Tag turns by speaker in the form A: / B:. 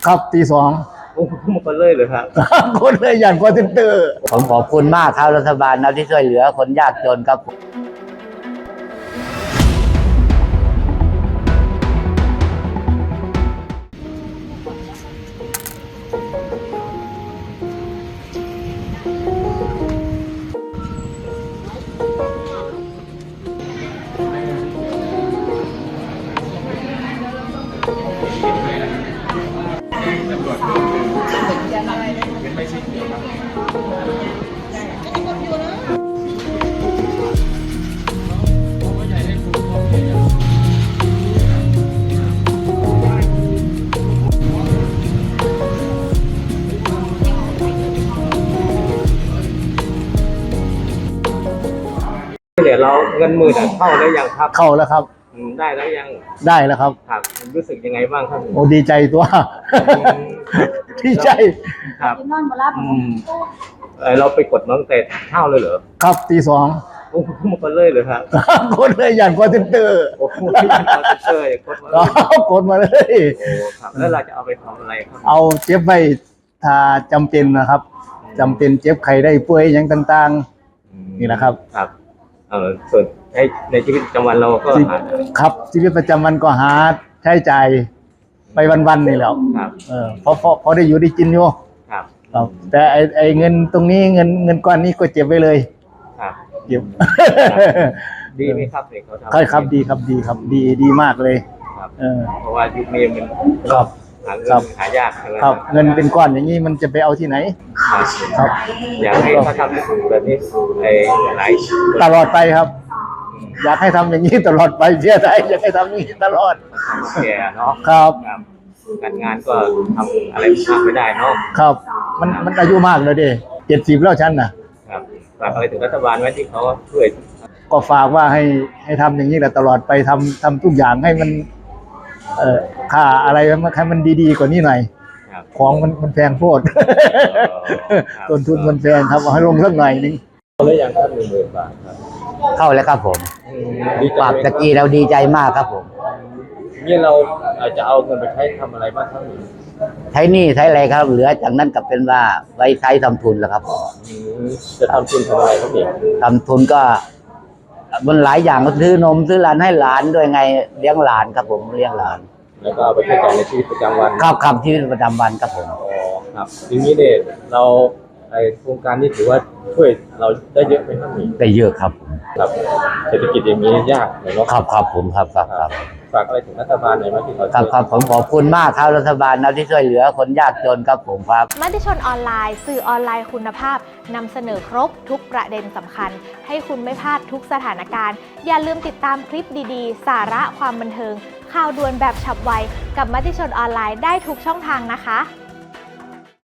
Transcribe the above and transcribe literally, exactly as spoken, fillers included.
A: ครับตีสอง
B: โอ้มาคนเลยเลยครับ
A: คนเลยอย่างคอนเซนเตอร์
C: ผมขอบคุณมากครับรัฐบาลนะที่ช่วยเหลือคนยากจนครับ
B: เดี๋ยวเราเงินหมื่นเข้าได้ยังครับ
A: เข้าแล้วครับ
B: ได้แล้วยัง
A: ได้แล้วครับ
B: ครับรู้สึกยังไงบ้างครับ
A: โอ้ดีใจตัวดีใจ
B: ครับเราไปกดน้องแต่เข้าเลยเหรอ
A: ครับตีสอง
B: โอ้มาคนเลยเลยครับ
A: คนเลยอย่างคอนเซนเตอร์
B: โอ้คอนเซนเตอร์กดม
A: ากดมาเลย
B: โอ้ครับแล้วเราจะเอาไปทำอะไรครับ
A: เอาเจ็บไว้ถ้าจำเป็นนะครับจำเป็นเจ็บไข้ได้ป่วยอย่างต่างๆนี่นะครับ
B: ครับเออส่วนในในชีวิตประจำวันเราก็
A: ครับชีวิตประจำวันก็หาใช้จ่ายไปวันๆนี่แหละ
B: ครับ
A: เออพอพอพอได้อยู่ได้กินอยู่
B: ครับ
A: ครับแต่ไอไอเงินตรงนี้เงินเงินก้อนนี้ก็เจ็บไว้เลย
B: ครับ
A: เก็บ
B: ดีไหมครับเด็กเขาทำ
A: ใช่ครับดีครับดีครับดีดีมากเลย
B: ครับ
A: เออ
B: เพราะว่ายุคนี้มัน
A: ครับ
B: หาเงินหายากใช่ไหม
A: ครับเงินเป็นก้อนอย่างนี้มันจะไปเอาที่ไหนครับ
B: อยากให้เขาทำแบบนี้ไอ้หลาย
A: ตลอดไปครับอยากให้ทำอย่างนี้ตลอดไปเชื่อใจอยากให้ทำอย่างนี้ตลอด
B: แก่เนาะ
A: ครับ
B: การงานก็ทำอะไรมากไม่ได้เนาะ
A: ครับมันมันอายุมากเลยดิเจ็ดสิบแล้วฉันนะครับ
B: ฝากอะไรถึงรัฐบาลไว้ที่เขาช่วย
A: ก็ฝากว่าให้ให้ทำอย่างนี้แหละตลอดไปทำทำทุกอย่างให้มันเอ่อค่าอะไรมันให้มันดีๆกว่านี้หน่อยของมันมันแพงโพดต้นทุนมันแพงครับเอาให้ลงสักหน่อยนึง
B: เขาเลยยังครับหนึ่งหมื่นบาทครับ
C: เข้าแล้วครับผมปากตะกี้เราดีใจมากครับผม
B: นี่เราอาจจะเอาเงินไปใช้ทำอะไรบ้างครับ
C: ใช้หนี้ใช้อะไรครับเหลือจากนั้นก็เป็นว่าไว้ใช้ทำทุนแล้วครับ
B: จะทำทุนทำอะไรครับเนี่ย
C: ทำทุนก็มันหลายอย่างก็ซื้อนมซื้อหลานให้หลานด้วยไงเลี้ยงหลานครับผมเลี้ยงหลาน
B: แล้วก็เอาไปใช้จ่ายในชีวิตประจำวัน
C: ครับครับชีวิตประจำวันครับผม
B: อ๋อครับทีนี้เนี่ยเราไอโครงการนี้ถือว่าช่วยเราได้เยอะไหมครับนี่
C: ได้เยอะครับ
B: ครับเศรษฐกิจอย่างนี้ยากเลยเนาะ
C: ครับครับผมครับครับครับ
B: ฝากอะไรถึงรัฐบาลหน่อยไหมที่เขา
C: ครับครับผมขอบคุณมากครับรัฐบาลนะที่ช่วยเหลือคนยากจนครับผมครับ
D: มติชนออนไลน์สื่อออนไลน์คุณภาพนำเสนอครบทุกประเด็นสำคัญให้คุณไม่พลาดทุกสถานการณ์อย่าลืมติดตามคลิปดีๆสาระความบันเทิงข่าวด่วนแบบฉับไวกับมติชนออนไลน์ได้ทุกช่องทางนะคะ